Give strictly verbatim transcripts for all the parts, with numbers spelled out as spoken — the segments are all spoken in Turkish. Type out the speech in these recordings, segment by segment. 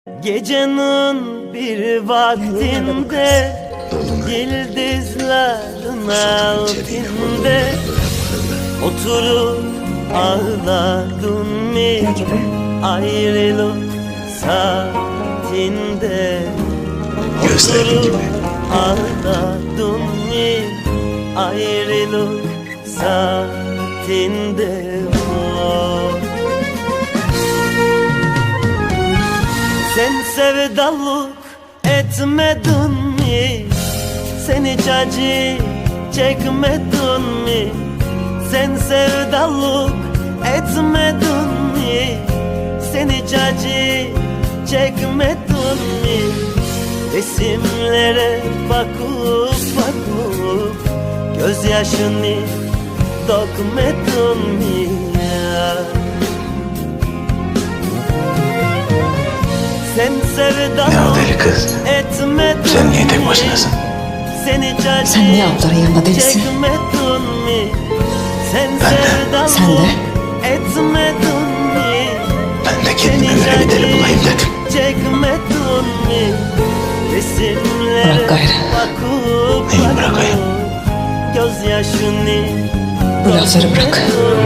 Gecenin bir vaktinde yıldızların altında oturup ağladın mı ayrılık saatinde? Oturup ağladın mı ayrılık saatinde? Oh. Sen sevdalık etmedin mi? Sen hiç acı çekmedin mi? Sen sevdalık etmedin mi? Sen hiç acı çekmedin mi? Resimlere bakıp bakıp gözyaşını dökmedin mi ya? Sen sevdalık etmedin. Sen niye tek başınasın? Sen niye abların yanında değilsin? Sen Ben de. Sen de. Etmedin mi? Ben de kendime göre bir deli bulayım dedim. Çekmedin mi? Resimlere Bırak gayrı. bakıp Neyi bırakayım? gözyaşını Bu lafları bırak.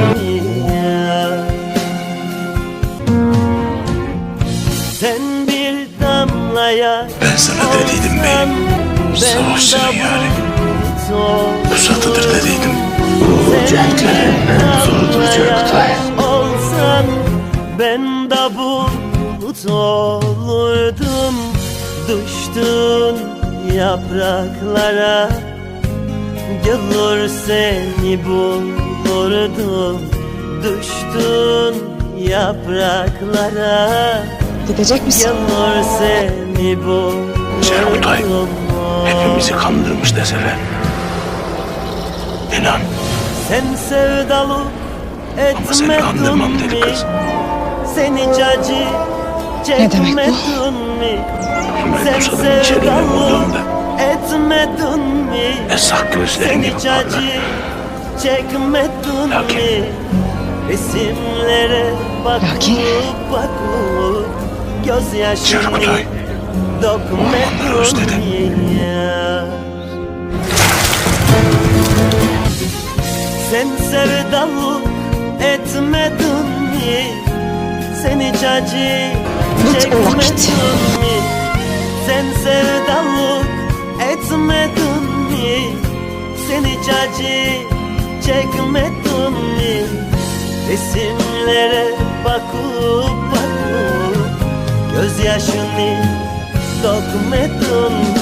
Sen bir damlaya Ben sana dediydim beyim. Savaşçının yani. Pusatıdır dediydim. Bu cenklerimle zor duracak Kutay. Olsan ben de bulut olurdum. Düştün yapraklara, gelir seni bulurdum. Düştün yapraklara, Gidecek misin? gelir seni bulurdum. Serkutay hepimizi kandırmış deseler. İnan. Sen sevdalık Ama seni etmedin kandırmam deli mi? kız. Sen hiç acı demek bu? çekmedin mi? Ben Sen Musa'nın içeriğine sevdalık vurduğumda etmedin mi? esrak Sen gözlerin gibi hiç parlar. acı çekmedin Lakin- mi? Resimlere bakıp Lakin- bakıp gözyaşını Serkutay, ormanları dökmedin özledim. mi ya? Sen sevdalık etmedin mi? Sen hiç acı Git o vakit. çekmedin mi? Sen sevdalık etmedin mi? Sen hiç acı çekmedin mi? Resimlere bakıp bakıp gözyaşını dökmedin